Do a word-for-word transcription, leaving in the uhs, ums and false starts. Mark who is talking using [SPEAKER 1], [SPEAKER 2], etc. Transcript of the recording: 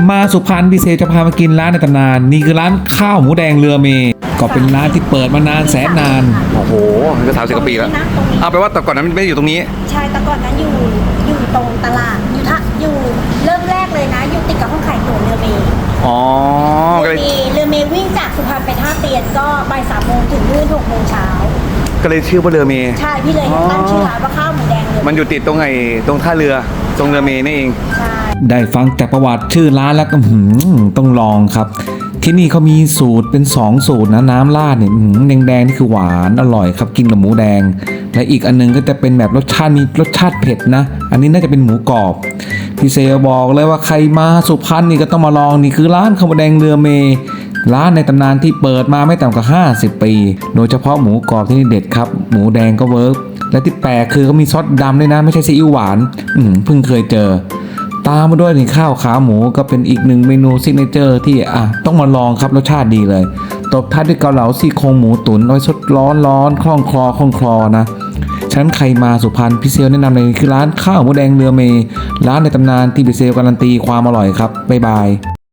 [SPEAKER 1] มาสุพรรณพิเศษจะพามากินร้านในตำนานนี่คือร้านข้าวหมูแดงเรือเมก็เป็นร้านที่เปิดมานานแสนนาน
[SPEAKER 2] โอ้โหมันก็สามสิบกว่าปีแล้วเอาไปว่าแต่ก่อนนั้นไม่ได้อยู่ตรงนี้
[SPEAKER 3] ใช่แต่ก่อนนั้นอยู่อยู่ตรงตลาดอยู่ทะอยู่เริ่มแรกเลยนะอยู่ติดกับห้องขายตั๋วเรือเมย์
[SPEAKER 2] อ๋อ
[SPEAKER 3] เรือเมย์เรือเมย์วิ่งจากสุพรรณไปท่าเตียนก็บ่ายสามโมงถึงนู่นหกโมงเช้า
[SPEAKER 2] ก็เลยชื่อว่าเรือเมย์
[SPEAKER 3] ใช่พี่เลยตั้งชื่อร้านว่าข้าวหมูแดงเรือ
[SPEAKER 2] มันอยู่ติดตรงไอ้ตรงท่าเรือตรงเรือเมย์นี่เอง
[SPEAKER 3] ใช่
[SPEAKER 1] ได้ฟังจากประวัติชื่อร้านแล้วก็หืมต้องลองครับที่นี่เขามีสูตรเป็นสองสูตรนะน้ำราดเนี่ยแดงๆนี่คือหวานอร่อยครับกินกับหมูแดงและอีกอันนึงก็จะเป็นแบบรสชาติมีรสชาติเผ็ดนะอันนี้น่าจะเป็นหมูกรอบพี่เซลบอกเลยว่าใครมาสุพรรณนี่ก็ต้องมาลองนี่คือร้านข้าวหมูแดงเรือเมร้านในตำนานที่เปิดมาไม่ต่ำกว่าห้าสิบปีโดยเฉพาะหมูกรอบที่นี่เด็ดครับหมูแดงก็เวิร์กและที่แปลกคือเขามีซอสดำด้วยนะไม่ใช่ซีอิ๊วหวานอืมเพิ่งเคยเจอตามมาด้วยนี่ข้าวขาหมูก็เป็นอีกหนึ่งเมนูซิกเนเจอร์ที่อ่ะต้องมาลองครับรสชาติดีเลยตบท้ายด้วยเกาเหลาซี่โครงหมูตุ๋นเอาไว้สดร้อนร้อนคล่องคลอคล่องคลอนะฉะนั้นใครมาสุพรรณพี่เซลแนะนำเลยคือร้านข้าวหมูแดงเรือเมร้านในตำนานที่พี่เซลการันตีความอร่อยครับบ๊ายบาย